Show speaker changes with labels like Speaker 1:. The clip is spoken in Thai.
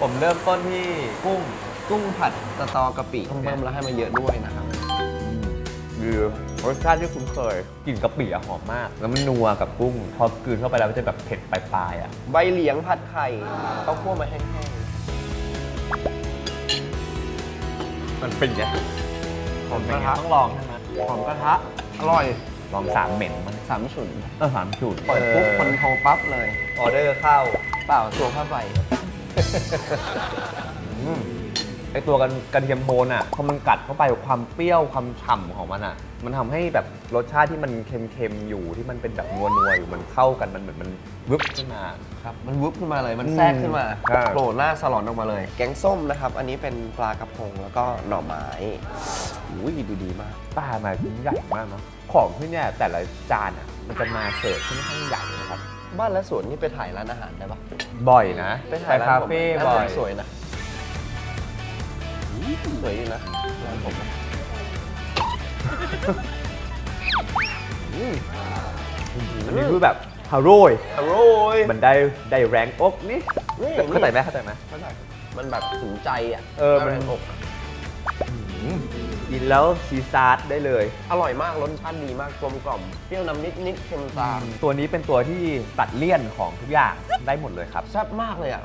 Speaker 1: ผมเริ่มต้นที่
Speaker 2: กุ้งผัดสตอกะปิเพิ่มแล้วให้มันเยอะด้วยนะครับ
Speaker 1: คือรสชาติที่คุ้นเคยกลิ่นกะปิอะหอมมาก แล้วมันนัวกับกุ้ง พอกลืนเข้าไปแล้วมันจะแบบเผ็ดปลายๆอ่ะ
Speaker 2: ใบเหลียงผัดไข่ข้าวคั่วมาแห้ง
Speaker 1: มันเป็นไง
Speaker 2: ๆหอมกระทะ
Speaker 1: ต้องลองใช่ไหม
Speaker 2: หอมกระทะอร่อย
Speaker 1: ลองสามเหม็นมัน
Speaker 2: สามฉุน
Speaker 1: สามจุด
Speaker 2: เปิดปุ๊บคนโทรปั๊บเลย
Speaker 1: ออเดอร์เข้า
Speaker 2: เปล่าตัวผ้าใบ
Speaker 1: ไอตัวกระเทียมโทนอ่ะพอมันกัดเข้าไปความเปรี้ยวความฉ่ำของมันอ่ะ มันทำให้แบบรสชาติที่มันเค็มๆอยู่ที่มันเป็นแบบนัวๆอยู่มันเข้ากันมันเหมือนมันวึบขึ้นมา
Speaker 2: ครับมันวุบขึ้นมาเลยมันแทรกขึ้นมา
Speaker 1: ครับ
Speaker 2: โผล่หน้าสลอนออกมาเลย แกงส้มนะครับ อันนี้เป็นปลากระพงแล้วก็หน่อไม้อุ้ยดูดีมาก
Speaker 1: ปลามาชิ้นใหญ่มากเนาะของที่เนี่ยแต่ละจานอ่ะมันจะมาเสิร์ฟค่อนข้างใหญ่นะครับ
Speaker 2: บ้านและสวนนี่ไปถ่ายร้านอาหารได้ปะ
Speaker 1: บ่อยนะ
Speaker 2: ไปถ่ายร้าน
Speaker 1: คา
Speaker 2: ผม
Speaker 1: เฟ่
Speaker 2: ร้าน
Speaker 1: บ่
Speaker 2: ผ
Speaker 1: อ
Speaker 2: ม
Speaker 1: ย
Speaker 2: สวยนะสวยอยู่นะร้านผมนะอืม
Speaker 1: อันนี้คือแบบฮาโร่ย
Speaker 2: อร่อย
Speaker 1: มันได้แรงอกนี่เข้าใจไหมเข้าใจไหม
Speaker 2: เข้าใจมันแบบถึงใจอ่ะ
Speaker 1: มัน
Speaker 2: แรงอก
Speaker 1: กินแล้วซีซาร์ได้เลย
Speaker 2: อร่อยมากรสชาติดีมากกลมกล่อมเปรี้ยวนำนิดๆเค็มตาม
Speaker 1: ตัวนี้เป็นตัวที่ตัดเลี่ยนของทุกอย่างได้หมดเลยครับ
Speaker 2: แซ่บมากเลยอ่ะ